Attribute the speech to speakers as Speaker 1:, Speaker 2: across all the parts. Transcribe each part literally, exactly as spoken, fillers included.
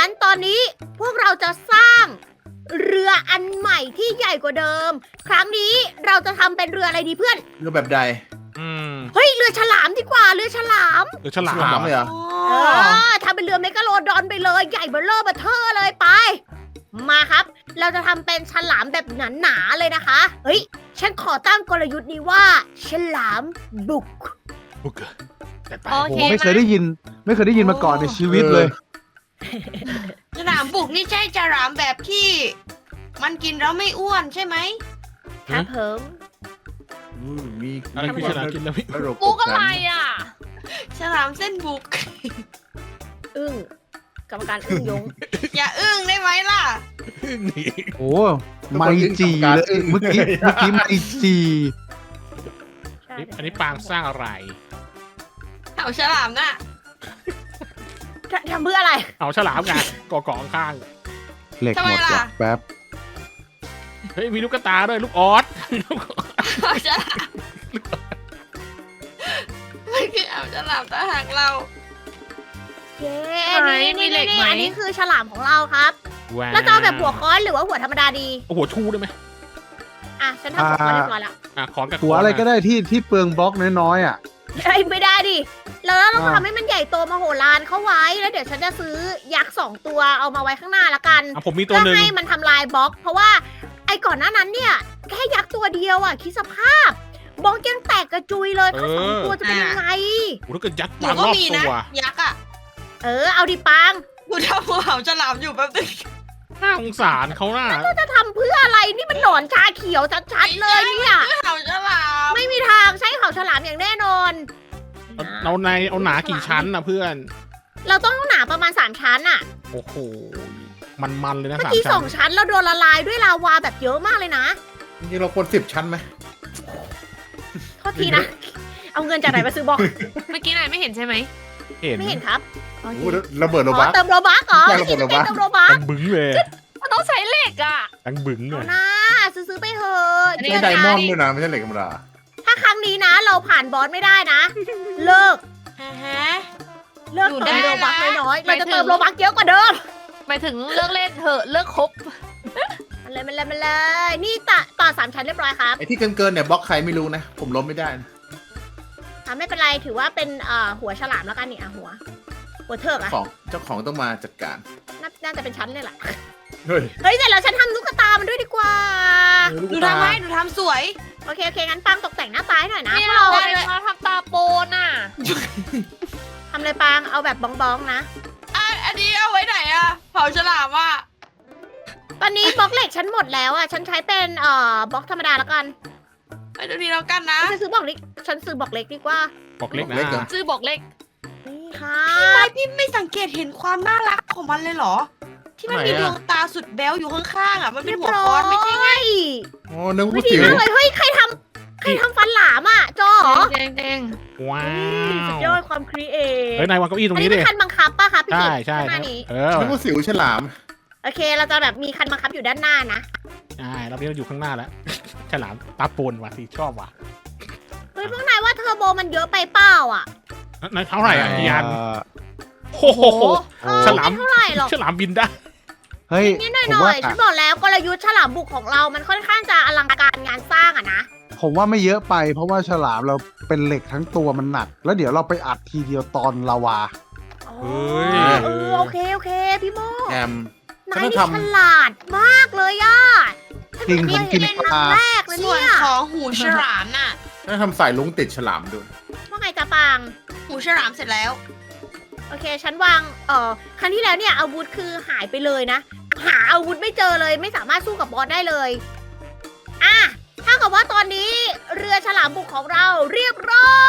Speaker 1: งั้นตอนนี้พวกเราจะสร้างเรืออันใหม่ที่ใหญ่กว่าเดิม ครั้งนี้เราจะทำเป็นเรืออะไรดีเพื่อน
Speaker 2: เรือแบบใด
Speaker 3: อืม
Speaker 1: เฮ้ยเรือฉลามดีกว่าเรือฉลาม
Speaker 3: เดี๋ยวฉลา
Speaker 2: ฉลาม
Speaker 3: ม
Speaker 2: เลยเหรอ
Speaker 1: เออทำเป็นเรือเมกะโลดอนไปเลยใหญ่เบ้อเร่อเบ้อเทอเลยไป มาครับ เราจะทำเป็นฉลามแบบหนาๆเลยนะคะเฮ้ยฉันขอตั้งกลยุทธ์นี้ว่า ฉลามบุก
Speaker 3: บุกเกอร์แต่ไป
Speaker 4: โอ
Speaker 5: โอ้
Speaker 4: เค
Speaker 5: ไม่เคยได้ยิน ไม่เคยได้ยินมาก่อนในชีวิตเลย
Speaker 4: ฉลามบุกนี่ใช่ฉลามแบบที่ มันกินแล้วไม่อ้วนใช่ไหม
Speaker 1: ครับผม
Speaker 2: อืมมี
Speaker 3: อะไรคือฉลามกินแล้วพี่
Speaker 2: ระบบ
Speaker 4: บุกอะไรอ่ะ ฉลามเส้นบุก
Speaker 1: อึ้งกรรมการอึ้งยง
Speaker 4: อย่าอึ้งได้ไหมล่ะ
Speaker 3: นี่
Speaker 5: โอ้ไมจีเลยเมื่อกี้เมื่อกี้ไมจี
Speaker 1: ใช่
Speaker 3: อันนี้ปางสร้างอะไร
Speaker 4: เอาฉลามน่ะ
Speaker 1: ทำเพื่ออะไร
Speaker 3: เอาฉลามไงก่อเกาะข้าง
Speaker 5: เหล็กหมด
Speaker 4: ทำไมล่ะ
Speaker 5: ว่ะแป๊บ
Speaker 3: ๆเฮ้ยมีลูกกระตาด้วยลูกออส
Speaker 4: เอาฉลามมันคือเอาฉลามตาหางเรา
Speaker 1: เย้
Speaker 4: ไหน
Speaker 1: นี่
Speaker 4: มี
Speaker 1: นี่
Speaker 4: เหล็กไหม
Speaker 1: อันนี้คือฉลามของเราครับ
Speaker 3: ว้าว
Speaker 1: แล้วจะเอาแบบหัวค้อนหรือว่าหัวธรรมดาดี
Speaker 3: เอาหัวชูได้ไหม
Speaker 1: อ่ะ ฉันทำหัวค้อนเรียบร้อยแล้ว
Speaker 3: อ่ะขอนกับ
Speaker 5: หัวอะไรก็ได้ที่ที่เปลืองบล็อกน้อยๆอ่ะ
Speaker 1: เอ้ยไม่ได้ดิ แล้วเราต้อง
Speaker 5: อ่า
Speaker 1: ทำให้มันใหญ่โตมโหฬารเข้าไว้ แล้วเดี๋ยวฉันจะซื้อยักษ์สองตัวเอามาไว้ข้างหน้าละกัน
Speaker 3: อ่ะผมมีตัว
Speaker 1: เพื่อ
Speaker 3: หนึ่ง
Speaker 1: ให้มันทำลายบล็อก เพราะว่าไอ้ก่อนหน้านั้นเนี่ย แค่ยักษ์ตัวเดียวอ่ะ คิดสภาพ บล็อกยังแตกกระจุยเลยทั้งสองตัวจะเป็นยังไง
Speaker 3: โอ้ถ้าเกิดยัด
Speaker 4: หนู
Speaker 3: ปาง
Speaker 4: ก็
Speaker 3: รอบ
Speaker 4: มี
Speaker 3: ตั
Speaker 4: นะ
Speaker 3: ว
Speaker 4: ยักษ์อ่ะ
Speaker 1: เออ เอาดิปัง
Speaker 4: กูทำหัวเหาฉลามอยู่แป๊บนึง
Speaker 3: น่าสงสารเขาน่ะ
Speaker 1: จะทำเพื่ออะไร นี่มันหนอนชาเขียวชัดๆเลยเนี่ย
Speaker 4: เหาฉลาม
Speaker 1: ไม่มีทางใช้เขาฉลามอย่างแน่นอน
Speaker 3: เอาเอาในเอาหนากี่ชั้นนะเพื่อน
Speaker 1: เราต้องหนาประมาณสามชั้นอะ
Speaker 3: โอ้โหมันมันๆเลยนะ
Speaker 1: เมื่อ
Speaker 3: สาม
Speaker 1: กี้ส
Speaker 3: ชั้
Speaker 1: อน งชั้นเราโดนละลายด้วยลาวาแบบเยอะมากเลยนะ
Speaker 2: จริงๆเราควรสิบชั้นไหม
Speaker 1: โทษทีนะ เอาเงินจากไหนมาซื้อบล็อก
Speaker 4: เมื่อกี้นายไม่เห็นใช่ไหม
Speaker 3: เห็น
Speaker 1: ไม่เห็นครับโอ
Speaker 2: โอ้
Speaker 1: เค
Speaker 2: โหระเบิดโล
Speaker 1: อ๋
Speaker 2: บั
Speaker 1: อ
Speaker 2: ส
Speaker 1: เติมโรบัคเหรอ
Speaker 2: ใช่
Speaker 1: ไม่กิน
Speaker 2: ระเบิดโลบัค
Speaker 1: เติมโรบัค
Speaker 3: ตังบึ้งเลย
Speaker 4: มันต้องใช้เหล็กอ่ะ
Speaker 3: ตังบึ้งเล
Speaker 1: เอา
Speaker 3: ย
Speaker 1: นะซื้อๆไปเถอะ
Speaker 4: อันนี้
Speaker 2: ใช้ไดมอนด์ด้วยนะไม่ใช่เหล็กธรรมดา
Speaker 1: ถ้าครั้งนี้นะ เราผ่านบอสไม่ได้นะ เลิก
Speaker 4: ฮะฮะ
Speaker 1: เลิก
Speaker 4: อยู่
Speaker 1: เติม
Speaker 4: ได้
Speaker 1: โรบัค
Speaker 4: นะ
Speaker 1: น้อยๆ
Speaker 4: หมา
Speaker 1: เรา
Speaker 4: ย
Speaker 1: จะ
Speaker 4: ถึง
Speaker 1: เติมโรบัคเยอะกว่าเดิม
Speaker 4: หมายถึงเลิกเล่นเถอะเลิกคบ
Speaker 1: มาเลยมาเลยมาเลย นี่ต่อต่อสามชั้นเรียบร้อยครับ
Speaker 2: ไอ้ที่เกินๆเนี่ยบล็อกใครไม่รู้นะ ผมล้มไม่ได้นะ
Speaker 1: อ่ะไม่เป็นไรถือว่าเป็นเอ่อหัวฉลามแล้วกันนี่อ่ะหัว หัวเถิกอ่ะ
Speaker 2: ของเจ้าของต้องมาจัดการ
Speaker 1: น่าน่าจะเป็นชั้นเลยแหละ
Speaker 2: เฮ้ย
Speaker 1: เฮ้ยแต่เราฉันทำลูกตามันด้วยดีกว่า
Speaker 2: ลูก
Speaker 4: หนู
Speaker 2: ตา
Speaker 4: ทำให้หนูทำสวย
Speaker 1: โอเคโอเคงั้นปังตกแต่งหน้าตาให้หน่อยนะ
Speaker 4: ไม่
Speaker 1: พวก
Speaker 4: เอา
Speaker 1: เรา
Speaker 4: เลยมาทำตาโปนอ่ะ
Speaker 1: ทำอะไรปังเอาแบบบ้องๆนะ
Speaker 4: อ่ะอันนี้เอาไว้ไหนอ่ะเผาฉลามอ่ะ
Speaker 1: ตอนนี้บล็อกเหล็กฉันหมดแล้วอ่ะ ฉันใช้เป็นเอ่อบล็อกธรรมดาแล้วกัน
Speaker 4: ไปดูดีแล้วกันนะ
Speaker 1: ฉันซื้อบล็อกเล็ก ฉันซื้อบล็อกเล็กดีกว่า
Speaker 3: บอกเล็กนะ
Speaker 2: เล็กเหรอ
Speaker 4: ซื้อบอกเล็ก
Speaker 1: นี่ค่ะ
Speaker 4: ทำไมพี่ไม่สังเกตเห็นความน่ารักของมันเลยเหรอ ที่มันมีดวงตาสุดแบ๊วอยู่ข้างๆอ่ะ มันเป็นหัวคอนไม่ใช่ไง
Speaker 2: โอ้นึกว่า
Speaker 1: วิ
Speaker 2: ผู้
Speaker 1: ธี
Speaker 2: สิว
Speaker 1: มากเลย เฮ้ย ใครทำใครทำฟันหลามอ่ะจอเหรอ
Speaker 4: แดงแดง
Speaker 3: ว้า
Speaker 1: สุด
Speaker 3: วย
Speaker 1: อดความครีเอท
Speaker 3: เฮ้ยนายวางเก้าอี้ตร
Speaker 1: อั
Speaker 3: ง
Speaker 1: น
Speaker 3: นี้
Speaker 1: นี้
Speaker 3: ดิ
Speaker 1: เป็นคันบังคับป่ะคะพี่
Speaker 3: ใช่
Speaker 1: กิต
Speaker 3: ใช่
Speaker 1: ข้างหน้านี้
Speaker 3: เออ
Speaker 2: นึกว่าสิวฉลาม
Speaker 1: โอเค เราจะแบบมีคันบังคับอยู่ด้านหน้านะ
Speaker 3: ใช่เรานี้เราอยู่ข้างหน้าแล้ว ฉลามตาปนว่ะสิชอบว่ะ
Speaker 1: เฮ้ยพวกนายว่าเทอร์โบมันเยอะไปเปล่าอ่ะ
Speaker 3: นายเท่าไหร่อ่ะกี่อัน
Speaker 5: เอ่อ
Speaker 3: โอ้โห
Speaker 1: เออ
Speaker 3: ฉลาม
Speaker 1: ไม่เท่าไหร่หรอก
Speaker 3: ฉลามบินได้
Speaker 5: เฮ้ย
Speaker 1: นิดๆหน่
Speaker 5: ผม
Speaker 1: อ
Speaker 5: ว่าย
Speaker 1: ๆฉันบอกแล้วกลยุทธ์ฉลามบุกของเรา มันค่อนข้างจะอลังการงานสร้างอะนะ
Speaker 5: ผมว่าไม่เยอะไปเพราะว่าฉลามเราเป็นเหล็กทั้งตัวมันหนัก แล้วเดี๋ยวเราไปอัดทีเดียวตอนลาวา
Speaker 1: อ๋อ
Speaker 3: เฮ้ย
Speaker 1: เออโอเคโอเคพี่โม
Speaker 2: แอม
Speaker 1: นายนี่
Speaker 2: ฉันต้องทำ
Speaker 1: ฉลาดมากเลยอะ
Speaker 5: จริงผมกิน
Speaker 1: เป็น
Speaker 5: ป
Speaker 1: ครั้
Speaker 5: ลา
Speaker 1: งแรกเลย
Speaker 4: ส่วน
Speaker 1: เนี่ย
Speaker 4: ของหูฉลามน่ะ
Speaker 2: ถ้าทำสายลุงติดฉลามด้วย
Speaker 1: ว่าไงจะปาง
Speaker 4: หูฉลามเสร็จแล้ว
Speaker 1: โอเค ฉันวาง เอ่อ ครั้งที่แล้วเนี่ยอาวุธคือหายไปเลยนะ หาอาวุธไม่เจอเลย ไม่สามารถสู้กับบอสได้เลย อ่ะถ้ากับว่าตอนนี้เรือฉลามบุกของเราเรียบร้อย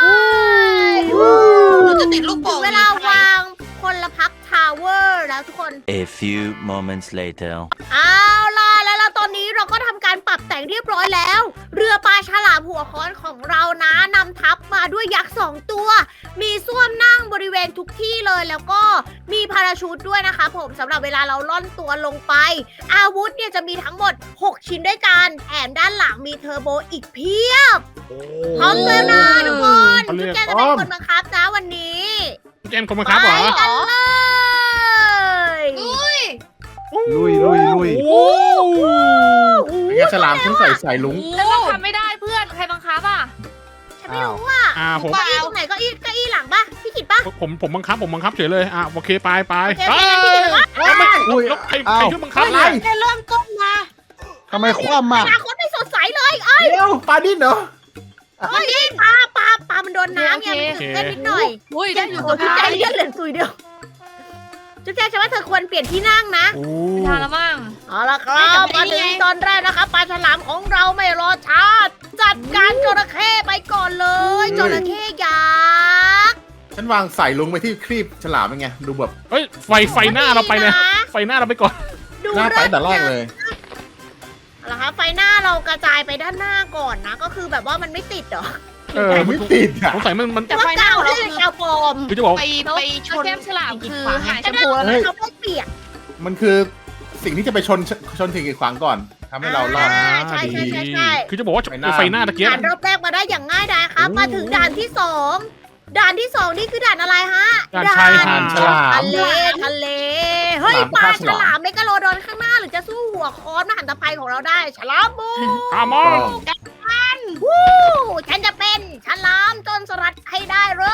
Speaker 4: หนูจะติดลูก
Speaker 1: ถึ
Speaker 4: โป่
Speaker 1: ง
Speaker 4: ง
Speaker 1: เวลาวางพลพักทาวเวอร์แล้วทุกคน
Speaker 6: A few moments later.
Speaker 1: เอาล่ะแล้วเราตอนนี้เราก็ทำการปรับแต่งเรียบร้อยแล้ว เรือปลาฉลามหัวค้อนของเรานะนำทัพมาด้วยยักษ์สองตัว มีส้วมนั่งบริเวณทุกที่เลยแล้วก็มีพาราชูตด้วยนะคะผมสำหรับเวลาเราล่อนตัวลงไป อาวุธเนี่ยจะมีทั้งหมด หก ชิ้นด้วยกันแถมด้านหลังมีเทอร์โบอีกเพียบพร้อมแล้วนะทุกคน
Speaker 3: เขาเรี
Speaker 1: จุ๊
Speaker 3: ย
Speaker 1: บ
Speaker 3: ก
Speaker 1: แจงจะเป็นคนบังคับนะวันนี้
Speaker 3: เจนคนบังคับเหรอ
Speaker 1: ไปกันเลย
Speaker 5: ลุยลุยลุย
Speaker 3: โอ้
Speaker 2: เป็นไงฉลามฉันใส่สายลุง
Speaker 7: แต่เราทำไม่ได้เพื่อนใครบังคับอ่ะ
Speaker 1: ฉันไม่รู้ว่า
Speaker 3: อ่าผม
Speaker 1: เก้าอี้ตรงไหนเก็อี้เก้าอี้หลังปะพี่กิตปะ
Speaker 3: ผมผมบังคับผมบังคับเฉยเลยอ่ะโอเคไปไป
Speaker 1: โอเคโอเคงั้นพี่กิตว่า
Speaker 3: เอ้ยไม่
Speaker 5: อุ้ย
Speaker 3: แล้วใครใครช่วยบังคับ
Speaker 2: อะไร
Speaker 4: แค่เริ่มต้นมา
Speaker 5: ทำไมคว่ำ
Speaker 1: อ
Speaker 5: อ่ะ
Speaker 1: นาคตไม่สดใสเลยเอ้ย
Speaker 2: เดี๋ยวปลาดิ้นเหรอ
Speaker 1: เอ้ยปลาปลาปลามันโดนน้ำไงมันถึงเต้นนิดหน่อย
Speaker 7: อุ้ยได้อยู่
Speaker 1: โอ้
Speaker 7: สุ
Speaker 1: ย
Speaker 7: ด
Speaker 1: จุ๊บ
Speaker 7: ท้า
Speaker 1: แจ
Speaker 7: ย
Speaker 1: งเลือดเหลือซุยเดียวจุ๊บแจงฉันว่าเธอควรเปลี่ยนที่นั่งนะ
Speaker 3: โอ้
Speaker 7: ไม่ทันแล้วมั้ง
Speaker 1: เอาละครับมาถึงตอนแรกนะคะปลาฉลามของเราไม่รอช้าจัดการจระเข้ไปก่อนเลยจระเข้ยักษ์
Speaker 2: ฉันวางสายลุงไปที่ครีบฉลามเป็นไงดูแบบ
Speaker 3: เฮ้ยไฟไฟหน้าเราไปเลยไฟหน้าเราไปก่อน
Speaker 1: ดู
Speaker 2: หน้าไปแต่แรกเลย
Speaker 1: เอาละครับไฟหน้าเรากระจายไปด้านหน้าก่อนนะ ก็คือแบบว่ามันไม่ติดเหรอ
Speaker 3: เออ
Speaker 2: ไม่ติดอ่ะ
Speaker 3: สงสัยมันมัน
Speaker 1: แต่ว่ากาวที่เป็นกาวปลอม
Speaker 3: คือจะบอก
Speaker 4: ไป
Speaker 7: แล้ว
Speaker 4: ไปชน
Speaker 7: แก้มฉลามคือหายแช
Speaker 1: แต่
Speaker 7: ม
Speaker 1: นั่น
Speaker 7: พูแล้ว
Speaker 1: คื
Speaker 7: นะ
Speaker 1: อเขาไม่เปียก
Speaker 2: มันคือสิ่งที่จะไปชนชนสิ่งกีดขวางก่อนทำให้เรารอด
Speaker 1: อ่าใช่ใช่ใช่ใช่
Speaker 3: คือจะบอกว่า
Speaker 2: ไฟหน้า
Speaker 3: ไฟหน้าตะเกียบ
Speaker 1: ด่านรอบแรกมาได้อย่างง่ายดายครับ มาถึงด่านที่สองด่านที่สองนี่คือด่านอะไรฮะ
Speaker 3: ด่านชายหาดฉลาม
Speaker 1: ทะเลทะเลเฮ้ย
Speaker 2: ฉลาม
Speaker 1: ปลา
Speaker 2: ฆ่า
Speaker 1: ฉ
Speaker 2: ฉลาม
Speaker 1: ลามเมกะโลดอนข้างหน้าหรือจะสู้หัวค้อนมหันตภัยของเราได้ฉลามบู
Speaker 3: อามอ
Speaker 1: วู้ฉันจะเป็นฉลามจนสลัดให้ได้เลย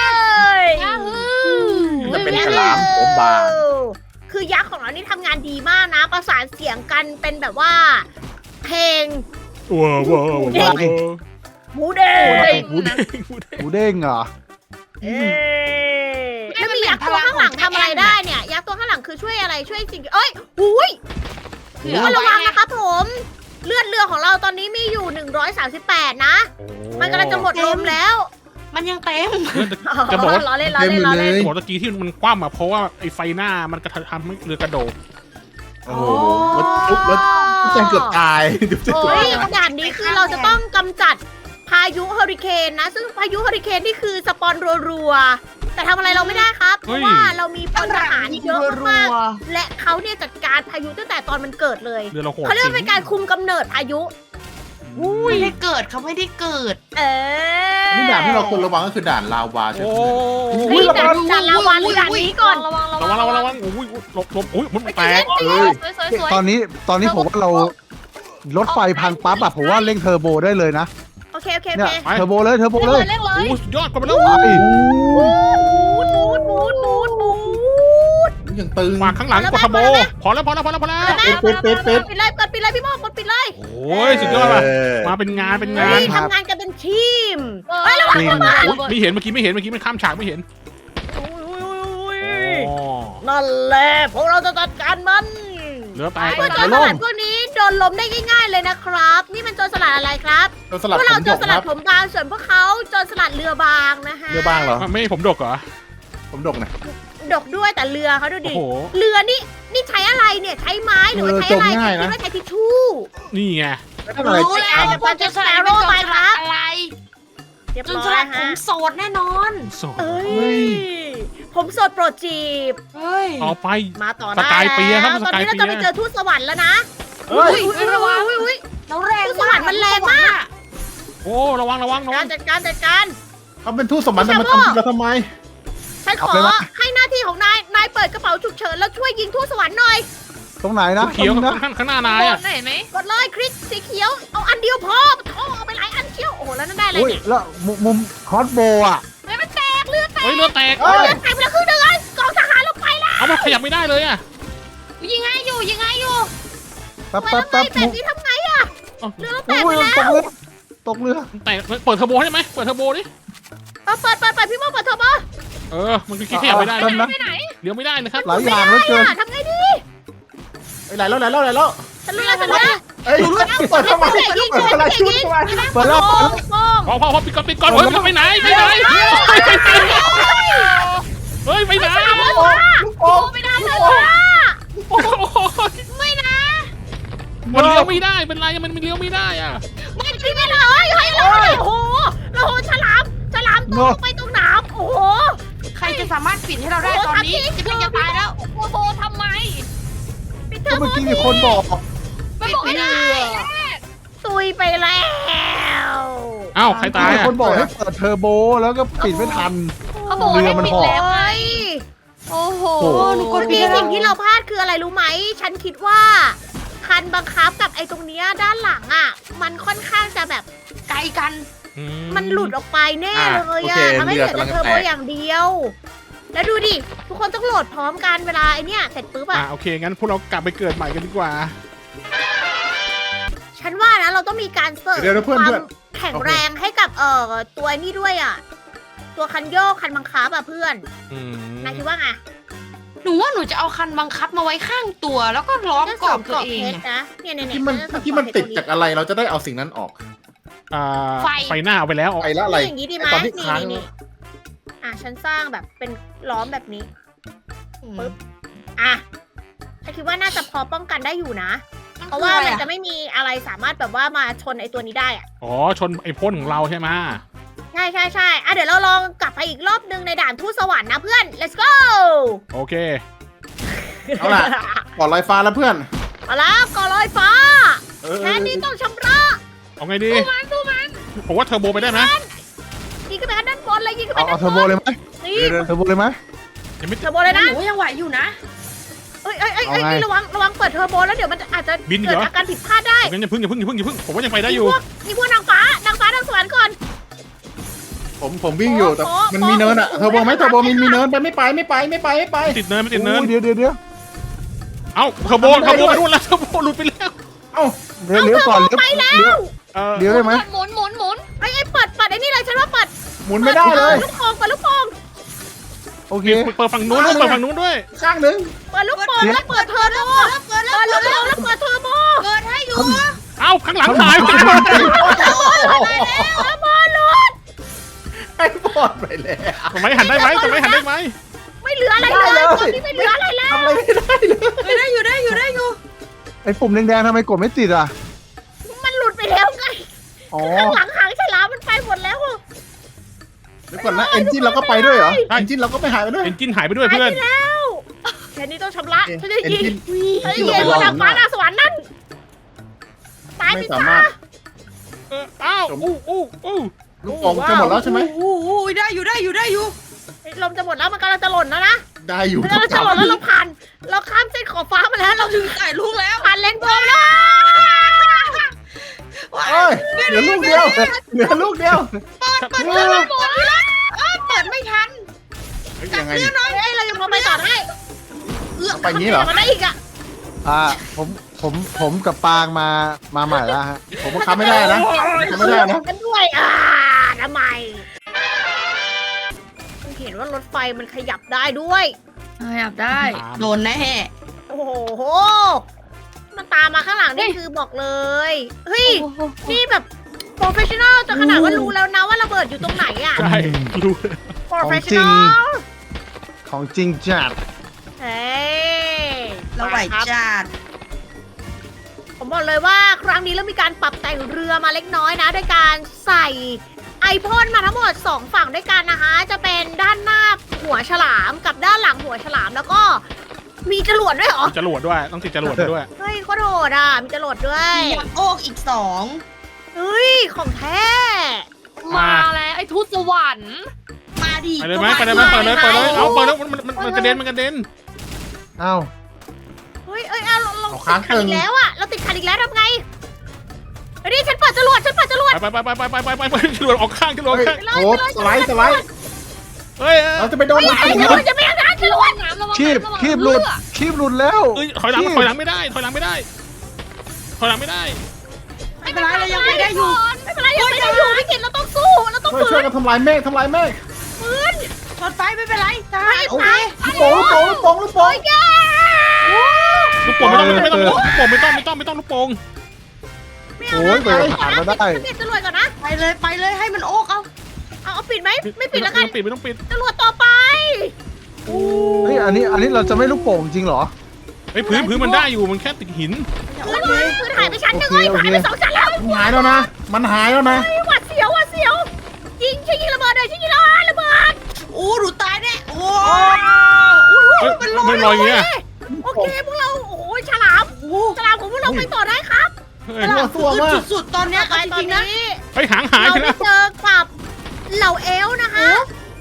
Speaker 2: จะเป็นฉลามผมบาง
Speaker 1: คือยักษ์ของเรานี่ทำงานดีมากนะ ประสานเสียงกันเป็นแบบว่า เพลง
Speaker 3: ว้าวว้าวว้าว
Speaker 1: หมูเด้ง
Speaker 3: หมูเด้งหมูเด้ง
Speaker 5: หมูเด้งเหรอ
Speaker 1: เอ๊ะแล้วมียักษ์ตัวข้างหลังทำอะไรได้เนี่ย ยักษ์ตัวข้างหลังคือช่วยอะไรช่วยสิ่งเอ้ยหุย
Speaker 4: คือ
Speaker 1: โอ้
Speaker 4: เอา
Speaker 1: ยระ
Speaker 4: ไว้
Speaker 1: วัง
Speaker 4: ไง
Speaker 1: นะครับผม เลือดเรือของเราตอนนี้มีอยู่หนึ่งร้อยสามสิบแปดนะ มันกำลังจะหมดลมแล้ว
Speaker 4: มันยังเต็ม
Speaker 3: จะบอกว่า
Speaker 1: ล้อเล่นล้อเล่นล้อเล่น
Speaker 3: จะบอกตะกี้ที่มันคว่ำอ่ะเพราะว่าไอ้ไฟหน้ามันกระทำให้เรือกระโดด
Speaker 2: โอ้โหรถทุบรถแจงเกือบตายดูจะ
Speaker 1: โอ้
Speaker 2: เกือบ
Speaker 1: ย
Speaker 2: ตาย
Speaker 1: ด่านนี้คือเราจะต้องกำจัดพายุเฮอริเคนนะ ซึ่งพายุเฮอริเคนนี่คือสปอนรัวๆแต่ทำอะไรเราไม่ได้ครับ เพ
Speaker 3: เฮ้
Speaker 1: ราะ
Speaker 3: ย
Speaker 1: ว่าเรามีพลทหารเยอะ
Speaker 4: รั
Speaker 1: มาว กๆและเขาเนี่ยจัดการพายุตั้งแต่ตอนมันเกิดเลย
Speaker 3: เรือเราโหด
Speaker 1: เขาเรียก
Speaker 3: จริ
Speaker 1: ว่าเป็นการคุมกำเนิดพายุ
Speaker 4: ไม่ได้เกิดเขาไม่ได้เกิด
Speaker 1: เออ
Speaker 2: นี่ด่านที่เราควรระวังก็คือด่านลาวาใช่
Speaker 3: โอ้
Speaker 2: ไหม
Speaker 1: เฮ้ยด่านด่านลาวาหรือด่านนี้ก่อน
Speaker 7: ระวังระ
Speaker 3: ระ
Speaker 7: วั
Speaker 3: วั
Speaker 7: ง
Speaker 3: งระวังระวังโอ้ยหลบหลบโอ้ยมันแตก
Speaker 2: เอ้ย
Speaker 7: สวยสวยสวย
Speaker 5: ตอนนี้ตอนนี้ผมว่าเรารถไฟพังปั๊บอะผมว่าเร่งเทอร์โบได้เลยนะ
Speaker 1: โอเคโอเคโอ
Speaker 5: เนี่ย
Speaker 1: เค
Speaker 5: เทอร์โบเลยเทอร์โบ
Speaker 7: เร่ง
Speaker 5: เล
Speaker 7: เลย ยเร่งเล
Speaker 3: โอ้
Speaker 7: ย
Speaker 3: สุดยอดกว่าไปแล้ว
Speaker 5: ไป
Speaker 1: บูดบูดบูดบูดบูด
Speaker 2: ยังตึง
Speaker 3: ฝากข้างหลังกดทบโบพอแล้วพอแล้วพอแล้วพอแล้ว
Speaker 2: ปิดปิดปิดปิด
Speaker 1: ปิดเลยกดปิดเลยพี่โมกดปิดเลย
Speaker 3: โอ้ยสุดยอดว่ะมาเป็นงานเป็นงา
Speaker 1: เฮ้
Speaker 3: น
Speaker 1: ยทำงานกันเป็นทีม
Speaker 7: เออ
Speaker 1: เฮ้ยระวัง
Speaker 5: จริง
Speaker 1: ระวัง
Speaker 3: โอ้ยไม่เห็นเมื่อกี้ไม่เห็นเมื่อกี้มันข้ามฉากไม่เห็น อ๋อ
Speaker 1: นั่นแหละพวกเราจะจัดการมัน
Speaker 3: เรือแตก
Speaker 1: พวกโจรสลัดพวกนี้โดนล้มได้ง่ายๆเลยนะครับ นี่มันโจรสลัดอะไรครับ
Speaker 2: เราสลับ
Speaker 1: พวก
Speaker 2: ผ
Speaker 1: เรา
Speaker 2: ม
Speaker 1: โจ
Speaker 2: ด
Speaker 1: ร
Speaker 2: ก
Speaker 1: ส
Speaker 2: ค
Speaker 1: ลั
Speaker 2: รั
Speaker 1: ด
Speaker 2: บ
Speaker 1: ผมบางส่วนพวกเขาโจรสลัดเรือบางนะฮะ
Speaker 2: เรือบ้างเหรอ
Speaker 3: ไม่ให้ผมดกเหรอ
Speaker 2: ผมดกนะ
Speaker 1: ดกด้วยแต่เรือเขาดู
Speaker 3: โอ้
Speaker 1: ดิ
Speaker 3: โห
Speaker 1: เรือนี่นี่ใช้อะไรเนี่ยใช้ไม้หรือว่าใช้อะไรคิดว่าใช้ทิชชู่
Speaker 3: นี่ไง
Speaker 2: แล้วทำอะไร
Speaker 4: รู้แล้วจะเป็นจนสลัดเป็นจนสลัดอะไร
Speaker 1: เรียบ
Speaker 4: จน
Speaker 1: ร้
Speaker 4: ส
Speaker 1: อย
Speaker 4: ลัดผ
Speaker 1: ฮะ
Speaker 4: มโสดแน่นอน
Speaker 3: โสด
Speaker 1: เอ้
Speaker 2: เฮ้
Speaker 1: ย
Speaker 2: ย
Speaker 1: ผมโสดโปรดจีบ
Speaker 4: เฮ้ย
Speaker 3: ต่อไป
Speaker 1: มาต่อ
Speaker 3: ส
Speaker 1: ได้
Speaker 3: กายเปียร์ครับ
Speaker 1: แล้ว
Speaker 3: ส
Speaker 1: ตอน
Speaker 3: กาย
Speaker 1: นี้เรา
Speaker 3: เปียร์
Speaker 1: จะไปเจอทูตสวรรค์แล้วนะ
Speaker 2: เฮ้ย
Speaker 1: อุ้ยอุ้ยระวังอุ้ยอุ้ย
Speaker 4: แล้วแรง
Speaker 1: สวรรค์มันแรงมาก
Speaker 3: โอ้ระวังระวังระวั
Speaker 1: กาง รจัดการจัดการ
Speaker 2: เขาเป็นทูตสมบัติแต่มาทำเราทำไม
Speaker 1: ฉันขอให้หน้าที่ของนาย นายเปิดกระเป๋าฉุกเฉินแล้วช่วยยิงทูตสวรรค์หน่อย
Speaker 5: ตรงไหนนะ
Speaker 3: เขียว
Speaker 5: ตรงนี้นะ
Speaker 3: ข้างข้างหน้านาย
Speaker 7: โด
Speaker 3: อ่ะ
Speaker 7: นไหนไหม
Speaker 1: กดเลยคริสสีเขียว เอาอันเดียวพอโอ้เอาไปหลายอันเชียว โอ้โหแล้วนั่นได้อะไร
Speaker 5: อุ้ย
Speaker 1: เนี่ย
Speaker 5: แล้วมุมมุมคอสโบอ่ะ
Speaker 1: เฮ้ยมันแตกเลือดแตก
Speaker 3: เฮ้ยเรือแตก
Speaker 2: เอ้ย
Speaker 1: เลือดแตกไปแล้วครึ่งหนึงเลยกองทหารลงไปแล้ว
Speaker 3: เอามันขยับไม่ได้เลยอ่ะ
Speaker 7: ยิงไงอยู่ยิงไงอยู่
Speaker 5: แป๊บ
Speaker 1: ทำไม
Speaker 5: แป๊บ
Speaker 1: ทำไม
Speaker 5: แป๊บ
Speaker 1: แบบนี้ทำไงอะ
Speaker 3: เอ้า
Speaker 1: เรือเราแตก
Speaker 5: อุ้
Speaker 1: ไป
Speaker 5: ย
Speaker 1: แล้
Speaker 5: ต
Speaker 1: ว
Speaker 5: กเรือตกเรือ
Speaker 3: แตกเปิดเทอร์โบให้ไหมเปิดเทอร์โบดิ
Speaker 1: เอาเปิดเปิดเปิดพี่โมเปิดเทอร์โบ
Speaker 3: เออมันขยับไม่ได้
Speaker 5: แป๊บนะ
Speaker 7: ไปไหน
Speaker 3: เลี้ยวไม่ได้นะครับ
Speaker 5: หลายอย่างเหลือเกิน
Speaker 1: ทำไงดี
Speaker 2: ไอ้ไหลแล้วไหลแล้วไหลแล้ว
Speaker 1: ฉันรู้แล้วฉันรู้แล้ว
Speaker 2: เอ้ยเปิดเข้ามาเปิดอะไรชุดเข้ามา
Speaker 5: เปิดแล้ว
Speaker 1: โป้งโป้ง
Speaker 3: พอพอพอปิดก่อนปิดก่อนเฮ้ยไปไหนไปไหนเฮ้ยไปไหน
Speaker 2: ลูกโป่งลูกโป่ง
Speaker 1: ไม่ได้เลยว่ะ
Speaker 3: โอ้โห
Speaker 1: ไม่นะ
Speaker 3: มันเลี้ยวไม่ได้เป็นไรมันเลี้ยวไม่ได้อ่ะ
Speaker 1: ไม่จริงไม่เลยเฮ้ยเราโอ้โหเราโหฉลามฉลามตกไปตรงน้ำโอ้โห
Speaker 4: ใครจะสามารถปิดให้เราได้ตอนนี้จะเป็นจะตายแล้ว
Speaker 7: โอ้โหทำไม
Speaker 1: ปิดเท
Speaker 5: ก็
Speaker 1: อร์โบ
Speaker 5: เมื่อกี้มีคนบอก
Speaker 7: ไม่บอกไม่ได้
Speaker 1: ตุยไปแล้ว
Speaker 3: อ้าวใครตาย
Speaker 5: มี
Speaker 3: อ่ะ
Speaker 5: คนบอกให้เปิดเทอร์โบแล้วก็ปิดไม่ทัน
Speaker 7: เขาบอกว่าให้ปิดแล้วไง
Speaker 1: โ
Speaker 7: โอ้โห
Speaker 5: โอ้โห
Speaker 4: หนูกด
Speaker 1: มี
Speaker 4: ผิด
Speaker 1: สิ่งที่เราพลาดคืออะไรรู้ไหม ฉันคิดว่าคันบังคับกับไอ้ตรงเนี้ยด้านหลังอ่ะ มันค่อนข้างจะแบบ
Speaker 4: ไกลกัน
Speaker 3: อื
Speaker 1: มันหลุดออกไปแน่
Speaker 2: อ่ะ
Speaker 1: เลย
Speaker 2: โอ
Speaker 1: อ่ะ
Speaker 2: เค
Speaker 1: ทำให้เหลือ
Speaker 2: เรือกำลั
Speaker 1: แต่
Speaker 2: ง
Speaker 1: เทอร์โบ
Speaker 2: แตก
Speaker 1: อย่างเดียว แล้วดูดิ ทุกคนต้องโหลดพร้อมกันเวลาไอเนี้ยเสร็จปุ๊บ
Speaker 3: อ่ะ
Speaker 1: อ่ะ
Speaker 3: โอเคงั้นพวกเรากลับไปเกิดใหม่กันดีกว่า
Speaker 1: ฉันว่านะเราต้องมีการเสริม
Speaker 2: เดี๋ยวนะเพื่อน
Speaker 1: ความ
Speaker 2: เพื่อน
Speaker 1: แข็งแรงให้กับเอ่อตัวนี้ด้วยอ่ะ ตัวคันโยกคันบังคับอ่ะเพื่อน
Speaker 3: อืม
Speaker 1: นายคิดว่าไง
Speaker 4: หนูว่าหนูจะเอาคันบังคับมาไว้ข้างตัว แล้วก็ล้อมกรอบตัวเอง
Speaker 1: เพชร
Speaker 4: อะ
Speaker 1: นะเนี่ยเนี่ย
Speaker 2: ที่มัน
Speaker 1: ฉัจะเสริ
Speaker 2: ที่มัน
Speaker 1: กรอบเพ
Speaker 2: ติด
Speaker 1: ชร
Speaker 2: จากอะไรเราจะได้เอาสิ่งนั้นออก
Speaker 3: อ่า
Speaker 4: ไฟ
Speaker 3: ไฟหน้าเอาไปแล้ว
Speaker 2: ไปละอะไร
Speaker 1: นี่อย่างนี้ดีไหม
Speaker 2: ไอ้ตอนที่
Speaker 1: นี่
Speaker 2: ค้าง
Speaker 1: นี่นี่อ่ะฉันสร้างแบบเป็นล้อมแบบนี้ ปึ๊บ อ่ะฉันคิดว่าน่าจะพอป้องกันได้อยู่นะ เพราะว่ามันจะไม่มีอะไรสามารถแบบว่ามาชนไอตัวนี้ได้อะ
Speaker 3: อ๋อชนไอ้พ่นของเราใช่ไหม
Speaker 1: ใช่ใช่ใช่อ่ะเดี๋ยวเราลองกลับไปอีกรอบนึงในด่านทูตสวรรค์นะเพื่อน let's go
Speaker 3: โอเค
Speaker 2: เอาล่ะ ปลอดลอยฟ้าแล้วเพื่อน
Speaker 1: มาแล้วก่อลอยฟ้า
Speaker 2: เออ
Speaker 1: แค่นี้ต้องชำระ
Speaker 3: เอาไงดีผมว่าเทอร์โบไปได้ไหม
Speaker 1: ยิงขึ้นไปข้างด้านบนเลยยิงขึ้นไป
Speaker 5: เอา
Speaker 1: ด้า
Speaker 5: เอา
Speaker 1: น
Speaker 5: เทอร์โบบ
Speaker 1: น
Speaker 5: เลยไหม
Speaker 1: นี่
Speaker 2: เดี๋ยวเดี๋ยว
Speaker 5: เทอร์โบเลยไหม
Speaker 3: ยังไม่
Speaker 1: เทอร์โบเลยนะ
Speaker 4: หนูยังไหวอยู่นะ
Speaker 1: เอ้ยเอ้ยเอ้ยเอ้ย
Speaker 5: เอาไง
Speaker 1: นี่ระวังระวังเปิดเทอร์โบแล้วเดี๋ยวมันอาจจะ
Speaker 3: บินเหร
Speaker 1: เกิด
Speaker 3: อ
Speaker 1: อาการผิดพลาดได้
Speaker 3: งั้นอย่าพึ่งอย่าพึ่งอย่าพึ่งอย่าพึ่งผมว่ายังไปได้
Speaker 1: มี
Speaker 3: อยู่
Speaker 1: พวกมีพวกนางฟ้านางฟ้านางสวรรค์ก่อน
Speaker 2: ผมผมวิ่งอยู่แต่
Speaker 1: โอ้โห
Speaker 2: มันมีเนินอะเทอร์โบไหมเทอร์โบมีมีเนินไปไม่ไปไม่ไปไม่ไปไม่ไป
Speaker 3: ติดเนินไม่ติดเนิน
Speaker 5: โอ้ยเดี๋ยวเดี๋ยวเดี๋ยว
Speaker 3: เอ้าเทอร์โบเทอร์โบไปนู่นแล้วเทอร์โบหลุดไปแล้ว
Speaker 2: เอ้า
Speaker 5: เดี๋ยวเลี้ยวก่อนเลี้ยว
Speaker 1: ไปแล้
Speaker 5: เลี้ยว
Speaker 1: ว
Speaker 3: เออ
Speaker 5: เลี้ยวได้ไหม
Speaker 7: หมุนหมุนหมุน
Speaker 1: ไอ้ไอ้เปิดเปิดไอ้นี่เลยฉันว่าเปิด
Speaker 2: หมุนไม่ได้เลย
Speaker 1: ปิลูกโป่งเปิดลูกโป่ง
Speaker 5: โอเค
Speaker 3: เปิดฝั่งนู้นด้วยเปิดฝั่งนู้นด้วย
Speaker 2: ข้างหนึ่ง
Speaker 1: เปิดลูกโป่งแล้วเปิดเทอร์โบ
Speaker 4: เกิดแล้ว
Speaker 1: เปิด
Speaker 4: เกิ
Speaker 1: ลู
Speaker 4: ด
Speaker 1: ก
Speaker 4: แล้ว
Speaker 1: โป่งแล้วเปิดเทอร์โบ
Speaker 4: เกิดให้อยู่
Speaker 3: เอ้าข้างหลังหายไป
Speaker 2: ไอ้บอดไปแล้ว
Speaker 3: ทำไมหันได้ไหมทำไมหันได้ไหม
Speaker 1: ไม่เหลืออะไรเลยตอนนี้ไม่เหลืออะไรแล้ว
Speaker 2: ทำอะไรไม่ได้เลย
Speaker 4: เฮ้ยได้อยู่ได้อยู่ได้อยู่
Speaker 5: ไอ้ปุ่มแดงๆทำไมกดไม่ติดอ่ะ
Speaker 1: มันหลุดไปแล้วไง
Speaker 5: อ๋อ
Speaker 1: ข้างหลังหางฉลามมันไปหมดแล้ว
Speaker 2: เดี๋ยวก่อนนะเอนจินเราก็ไปด้วยเหรอเอนจินเราก็ไปหายไปด้วย
Speaker 3: เอนจินหายไปด้วย
Speaker 1: หาย
Speaker 3: เพื่
Speaker 1: ไป
Speaker 3: อน
Speaker 1: แล้วแค่นี้ต้องชำระฉันจะยิง
Speaker 2: เอนจิน
Speaker 1: ฉันจะยิงบนนางฟ้าหน้าสวรรค์นั่นตายไป
Speaker 2: ไม่
Speaker 1: ซะ
Speaker 2: สามารถ
Speaker 3: เอออ้าวอู้อู้อู้
Speaker 2: ลูกโป่งจะหมดแล้วใช่ไหม
Speaker 4: โอ้โหได้อยู่ได้อยู่ได้อยู่
Speaker 1: ลมจะหมดแล้วมันกำลังจะหล่นแล้วนะ
Speaker 2: ได้อยู่
Speaker 1: มันกำลังจะหล่นแล้วเราผ่าน เราข้ามเส้นขอบฟ้ามาแล้วเราถึง
Speaker 4: ถ่ายลูกแล้ว
Speaker 1: ผ่านเลนโบว์แล้ว
Speaker 2: เอ้ยเหลือลูกเดียวเหลือลูกเดียว
Speaker 4: เปิดเปิดเปิดเปิดเอ้ยเปิดไม่ทัน
Speaker 2: เฮ้ยยังไง
Speaker 1: เฮ้ยเรายังพอไปต่อได้
Speaker 2: ไปงี้เหรอ
Speaker 1: มาได้อีกอ่ะ
Speaker 5: อ่าผมผมผมกับปางมามาใหม่แล้วฮะ
Speaker 2: ผมบังคับไม่ได้นะบังคับไม่ได้นะ
Speaker 1: กันด้วยอ่าทำไมคุณเห็นว่ารถไฟมันขยับได้ด้วย
Speaker 7: ขยับได้
Speaker 4: โดนแน่
Speaker 1: โอ้โห มันตามมาข้างหลังนี่คือบอกเลย เฮ้ย นี่แบบโปรเฟชชั่นอลจนขนาดว่ารู้แล้วนะว่าระเบิดอยู่ตรงไหนอ่ะ
Speaker 3: ใช่รู้
Speaker 1: โปรเฟชชั่นอล
Speaker 5: ของจริงจัด
Speaker 1: เฮ้ย
Speaker 4: เราไหว
Speaker 1: ครับ
Speaker 4: จัด
Speaker 1: ผมบอกเลยว่าครั้งนี้เรามีการปรับแต่งเรือมาเล็กน้อยนะด้วยการใส่ไอพ่นมาทั้งหมดสองฝั่งด้วยกันนะคะ จะเป็นด้านหน้าหัวฉลามกับด้านหลังหัวฉลามแล้วก็มีจรวดด้วยเหรอ
Speaker 3: จรวดด้วยต้องติดจรวดไปด้วย
Speaker 1: เฮ้ยโคตรโหดอ่ะ มีจรวดด้วย
Speaker 4: มียักษ์โอกอีกสอง
Speaker 1: เฮ้ย ของแท้
Speaker 7: มาแล้วไอ้ทูตสวรรค์
Speaker 4: มาดิ
Speaker 3: ไปเลยไหมไปเลยไหมเปิดเลยเปิดเลยเอาเปิดแล้วมันมันมันกระเด็นมันกระเด็น
Speaker 5: เอ้า
Speaker 1: เฮ้ยเอ้ยเอาเราเรา
Speaker 2: เอา
Speaker 1: ติ
Speaker 2: ค้าง
Speaker 1: ดขัน
Speaker 2: ตึง
Speaker 1: อีกแล้วอ่ะ เราติดขันอีกแล้วทำไงเฮ้ยนี่ฉันเปิดจรวด ฉันเปิดจรวด
Speaker 3: ไปไปไปไปไปไปไปไปจรวดออกข้างจรวดออก
Speaker 2: เฮ้ย
Speaker 3: ข้าง
Speaker 2: โอ้สไลด์สไลด์
Speaker 3: เฮ้ย
Speaker 2: เราจะไปโดน
Speaker 1: ไอ้
Speaker 2: หลัง
Speaker 1: จรวดจะไม่ทางจรวด
Speaker 7: น้ำระวัง
Speaker 5: คีบ
Speaker 7: น้ำระวัง
Speaker 5: คีบหลุด
Speaker 7: เอ
Speaker 5: คีบหลุดแล้ว
Speaker 3: เอ้ยถอยหลังถอยหลังไม่ได้ถอยหลังไม่ได้ถอยหลังไม่ได้
Speaker 4: ไม่เป็นไรเรายังไปได้อยู่
Speaker 1: ไม่เป็นไรยังไม่ได้อยู่พี่กิตเราต้องสู้ เราต้อง
Speaker 2: ช่วย
Speaker 1: ฝื
Speaker 2: ช่วย
Speaker 1: น
Speaker 2: กันทำลายเมฆทำลายเมฆ
Speaker 1: ฝืน
Speaker 4: รถไฟไม่เป็นไรจ้า
Speaker 1: ไม่
Speaker 4: โอ
Speaker 1: ไป
Speaker 4: เค
Speaker 2: ลูกโป่งลูกโป่งลูกโป่งลูกโป่ง
Speaker 1: แย่
Speaker 3: ลูกโป่งไม่ต้องไม่ต้องลูกโป่งไม่ต้องไม่ต้องไม่ต้องลูกโป่ง
Speaker 1: ไม่เอา
Speaker 5: โอ้ย
Speaker 1: นะ
Speaker 5: เปิดผ่านมาได้
Speaker 1: ฉันปิดจรวดก่อนนะ
Speaker 4: ไปเลยไปเลยให้มันโอกเอา
Speaker 1: เอาเอาปิดไหม ไม่ปิดแล้วกัน
Speaker 3: ไม่ต้องปิดไม่ต้องปิด
Speaker 1: จรวดต่อไป
Speaker 5: เฮ้ยอันนี้อันนี้เราจะไม่ลูกโป่งจริงเหรอ
Speaker 3: ไอ้พื้นพื้นมันได้อยู่มันแค่ติดหิน
Speaker 1: พื้นพื้นพื้นหายไปชั้นหนึ่ง
Speaker 5: โอ
Speaker 1: เล
Speaker 5: เค
Speaker 1: ยหายไปสองชั้นแล้ว
Speaker 2: มันหายแล้วนะ มันหายแล้วนะ
Speaker 1: เฮ้ยหวัดเสียวหวัดเสียว ยิงใช่ยิงระเบิดเลยใช่ยิงระเบิดระเบิด
Speaker 4: โอ้หนูตายแน่โอ้
Speaker 3: เฮ้ยมันลอยอย่างเงี้ย
Speaker 1: โอเคพวกเรา โอ้ยฉลามฉลามของพวกเราไปต่อได้ครับ
Speaker 3: เฮ้ย
Speaker 2: ตัวตัวมาก
Speaker 4: สุดๆตอนเนี้ย
Speaker 1: ไป
Speaker 4: เอาจ
Speaker 1: ตอน
Speaker 4: ริงๆนะ
Speaker 1: นี้
Speaker 3: เฮ้ยหางหาย
Speaker 1: เรา
Speaker 3: ไป
Speaker 1: ได้
Speaker 3: แล้ว
Speaker 1: เจอกับเหล่าเอลฟ์นะคะ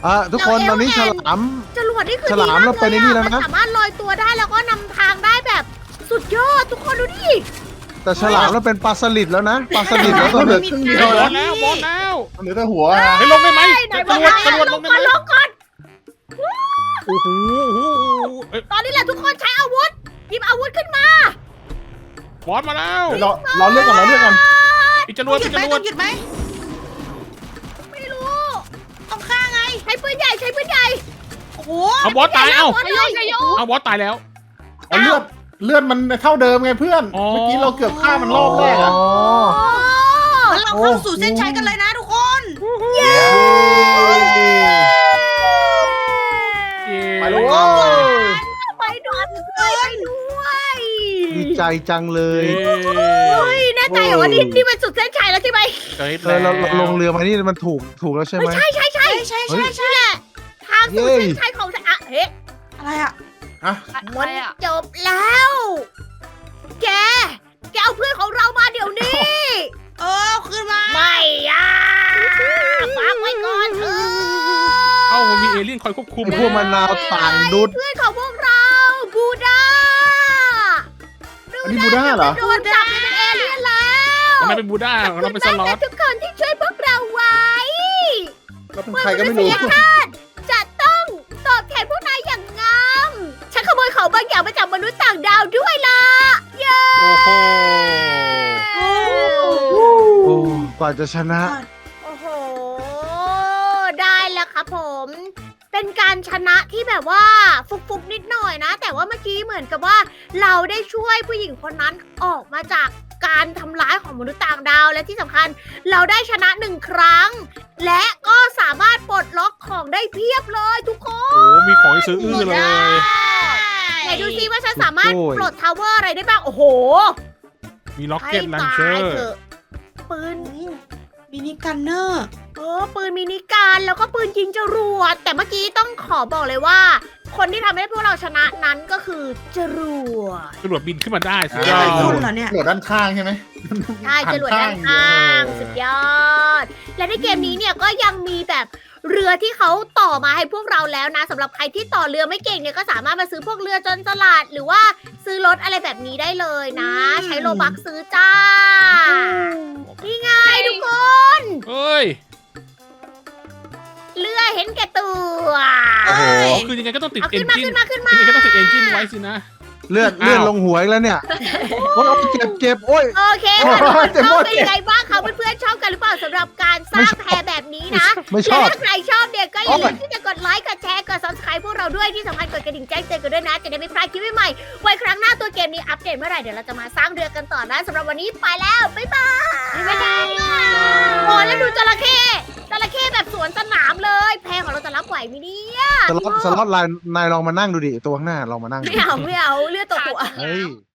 Speaker 5: อ่ะทุกคนตอนนี้ฉลาม
Speaker 1: จรวดนี่คือ
Speaker 5: ฉลาม
Speaker 1: ดีก
Speaker 5: เราไปในนี่แล้วนะ
Speaker 1: มัสามารถลอยตัวได้แล้วก็นำทางได้แบบสุดยอดทุกคนดูดิ
Speaker 5: แต่ฉลามเราเป็นปลาสลิดแล้วนะปลาสลิดแล้วตอน
Speaker 2: เหลื
Speaker 5: นี้
Speaker 2: อครึ่งเดีย
Speaker 3: บ
Speaker 2: ว
Speaker 3: อ
Speaker 2: แล้
Speaker 3: สแล้วบอสแล้ว
Speaker 2: เหลือแต่หัว
Speaker 3: เฮ้ยลงได้ไหม
Speaker 1: ไหน
Speaker 3: จะ
Speaker 1: บ
Speaker 3: จ
Speaker 1: อก
Speaker 3: รวด
Speaker 1: ให้
Speaker 3: จรวด
Speaker 1: ล
Speaker 3: ล
Speaker 1: ง
Speaker 3: งได้
Speaker 1: ก่อน
Speaker 3: ไหม
Speaker 1: ลงก่อน
Speaker 3: โอ้โหเอ้ย
Speaker 1: ตอนนี้แหละทุกคนใช้อาวุธหยิบอาวุธขึ้นมา
Speaker 3: บอสมาแล้ว
Speaker 2: เราเราเลือกก่อนเราเลือกก่อน
Speaker 3: อีกจรวด
Speaker 4: หยุ
Speaker 3: อี
Speaker 4: ด
Speaker 3: ก
Speaker 4: ไหม
Speaker 3: จรว
Speaker 4: ต้
Speaker 3: ด
Speaker 4: องหยุดไหม
Speaker 1: ไม่รู้
Speaker 4: ต้องฆ่าไง
Speaker 1: ใช้ปืนใหญ่ใช้ปืนใหญ่
Speaker 4: โอ้โห
Speaker 3: เอาบอสตายเอ้า
Speaker 1: บอสเลย
Speaker 7: ชัยโย
Speaker 3: เอาบอสตายแล้ว
Speaker 2: เอาเลือดเลือดมันเท่าเดิมไงเพื่อน
Speaker 3: อ๋อ
Speaker 2: เมื่อกี้เราเกือบฆ่ามันรอบแรกอะ
Speaker 5: อ๋อ
Speaker 4: งั้นเราเข้าสู่เส้นชัยกันเลยนะทุกคน
Speaker 1: เย้
Speaker 3: เย้
Speaker 2: ไปเลยเว้ย
Speaker 1: ไปด้วยไปด้วย
Speaker 5: ดีใจจังเลย
Speaker 1: เฮ้ยแน่ใจเหรอว่านี่นี่มันสุดเส้นชัยแล้วใช่ไหม
Speaker 3: เฮ้ย
Speaker 5: เออเราเราลงเรือมานี่มันถูกถูกแล้วใช่ไหม
Speaker 1: ใช่ใช่ใช่
Speaker 4: ใช่ใช่ใช่
Speaker 1: นี่แหละทางสู่
Speaker 5: เย้
Speaker 1: เส้นชัยของฉันอะเฮ้
Speaker 4: อะไรอะ
Speaker 2: อะ
Speaker 1: มัน
Speaker 7: อะไรอะ
Speaker 1: จบแล้ว แก แกเอาเพื่อนของเรามาเดี๋ยวนี้
Speaker 4: เออเอาคืนมา
Speaker 1: ไม่อะฝากไว้ก่อนเถอะ
Speaker 3: เอ้ามันมีเอเลี่ยนคอยควบคุม
Speaker 5: ไอพวกมะนาวต่างดุด
Speaker 1: เพื่อนของพวกเราบูดา
Speaker 2: อันนี้บูด้าเหรอ
Speaker 1: โดนจับไปเป็นเอเลี่ยนแล้ว
Speaker 3: เราเป็นบูด้าเราเป็นสล็อ
Speaker 1: และ
Speaker 3: ต
Speaker 1: ทุกคนที่ช่วยพวกเราไว้
Speaker 2: เราเป็นใครก็ไม่รู้
Speaker 1: มนุษยชาติจะต้องตอบแทนพวกนายอย่างงามฉันขโมยของบางอย่างมาจากมนุษย์ต่างดาวด้วยล่ะ เย้
Speaker 3: โอ้โห
Speaker 4: โอ้
Speaker 5: โอ้กว่าจะชนะ
Speaker 1: โอ้โห ได้แล้วครับผม เป็นการชนะที่แบบว่าฟุกๆนิดหน่อยนะ แต่ว่าเมื่อกี้เหมือนกับว่าเราได้ช่วยผู้หญิงคนนั้นออกมาจากการทำร้ายของมนุษย์ต่างดาว และที่สำคัญเราได้ชนะหนึ่งครั้ง และก็สามารถปลดล็อกของได้เพียบเลยทุกคน
Speaker 3: โอ้มีของให้ซื้ออื้อเลย
Speaker 1: ไหนดูซิว่าฉันสามารถ
Speaker 5: โอ้ย
Speaker 1: ปลดทาวเวอร์อะไรได้บ้าง โอ้โห
Speaker 3: มีล็อก
Speaker 1: ให้
Speaker 3: เก็ตลัน
Speaker 1: ตา
Speaker 3: เชอย ร์
Speaker 1: เถอะปืน
Speaker 4: มินิกันเนอร์
Speaker 1: เออปืนมินิกันแล้วก็ปืนยิงจรวด แต่เมื่อกี้ต้องขอบอกเลยว่า คนที่ทำให้พวกเราชนะนั้นก็คือจรวด
Speaker 3: จรวดบินขึ้นมาได้สุด
Speaker 4: เนี่ย
Speaker 3: ยอ
Speaker 4: เป็น
Speaker 3: ด
Speaker 4: คนเหรอเนี่ย
Speaker 2: โหลดด้านข้างใช่ไหม
Speaker 1: ใช่จรวดด้านข้างสุดยอด และในเกมนี้เนี่ยก็ยังมีแบบเรือที่เขาต่อมาให้พวกเราแล้วนะสำหรับใครที่ต่อเรือไม่เก่งเนี่ยก็สามารถมาซื้อพวกเรือจนสลัด หรือว่าซื้อรถอะไรแบบนี้ได้เลยนะ
Speaker 4: อืม
Speaker 1: ใช้โลบักซื้อจ้า นี่ไงทุกคน
Speaker 3: เอ้ย
Speaker 1: เรือเห็นแก่ตัว
Speaker 3: โอ้โห
Speaker 4: เอ้ย
Speaker 3: คือยังไงก็ต้องติด
Speaker 1: เอา
Speaker 3: เอ
Speaker 1: ขึ้
Speaker 3: น
Speaker 1: นมา
Speaker 3: จิน
Speaker 1: ขึ้นมาขึ้นมา
Speaker 3: ยังไงก็ต้องติดเอนจินไว้สินะ
Speaker 5: เลือด
Speaker 3: อ้าว
Speaker 5: เลือดลงหัวอีกแล้วเนี่ยโอ้ยเจ็บเจ็บโอ้ย
Speaker 1: โอเคค่ะทุกคนชอบเป็นยังไงบ้างคะเพื่อนๆชอบกันหรือเปล่าสำหรับการสร้างแพแบบนี้นะ
Speaker 5: ไม่ช
Speaker 1: และ
Speaker 5: อบ
Speaker 1: ถ้าใครชอบเนี่ยก็อย่าลืมที่จะกดไลค์ กดแชร์ กด subscribe พวกเราด้วยที่สำคัญกดกระดิ่งแจ้งเตือนกันด้วยนะ จะได้ไม่พลาดคลิปใหม่ๆไว้ครั้งหน้าตัวเกมนี้อัปเดตเมื่อไหร่เดี๋ยวเราจะมาสร้างเรือกันต่อนะสำหรับวันนี้ไปแล้ว บ๊ายบายบ๊ายบายโอ้แล้วดูจระเข้จระเข้แบบสวนสนามเลย แพของเราจะรับไหวไหมเนี่ย
Speaker 5: สล็อตสล็อตไลน์นายลองมานั่งดูดิตัวข้างหน้าลองมานั่งดู
Speaker 1: ไม่เอาไม่เอาเลือดตกหัว
Speaker 5: เฮ้ย